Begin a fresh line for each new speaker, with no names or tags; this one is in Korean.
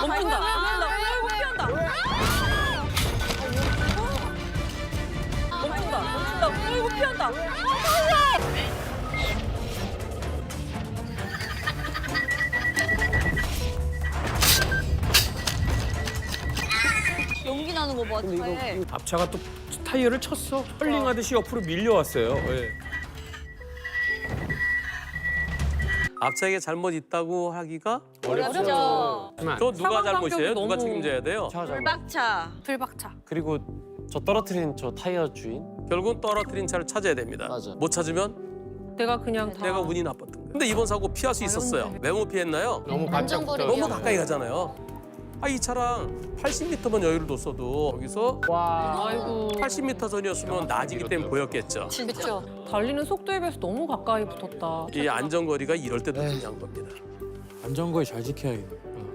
멈춘다. 아이고 피한다. 멈춘다. 아이고 피한다.
연기 나는 거 봐.
근데
차에.
이거 앞차가 또 타이어를 쳤어. 컬링하듯이 옆으로 밀려왔어요. 예.
앞차에게 잘못 있다고 하기가
어렵죠.
또 누가 잘못이에요?
너무-
누가 책임져야 돼요?
불박차.
불박차.
그리고 저 떨어뜨린 저 타이어 주인.
결국은 떨어뜨린 차를 찾아야 됩니다.
맞아.
못 찾으면
내가 그냥 다.
내가 운이 나빴던 거예요. 근데 이번 사고 피할 수 있었어요. 왜 못 피했나요?
너무
안전거리
너무 가까이 가잖아요. 이 차랑 80m만 여유를 뒀어도 여기서
와.
아이고.
80m 전이었으면 낮이기 때문에 보였겠죠.
진짜.
달리는 속도에 비해서 너무 가까이 붙었다.
이 안전거리가 이럴 때도 중요한 겁니다.
안전거리 잘 지켜야겠네.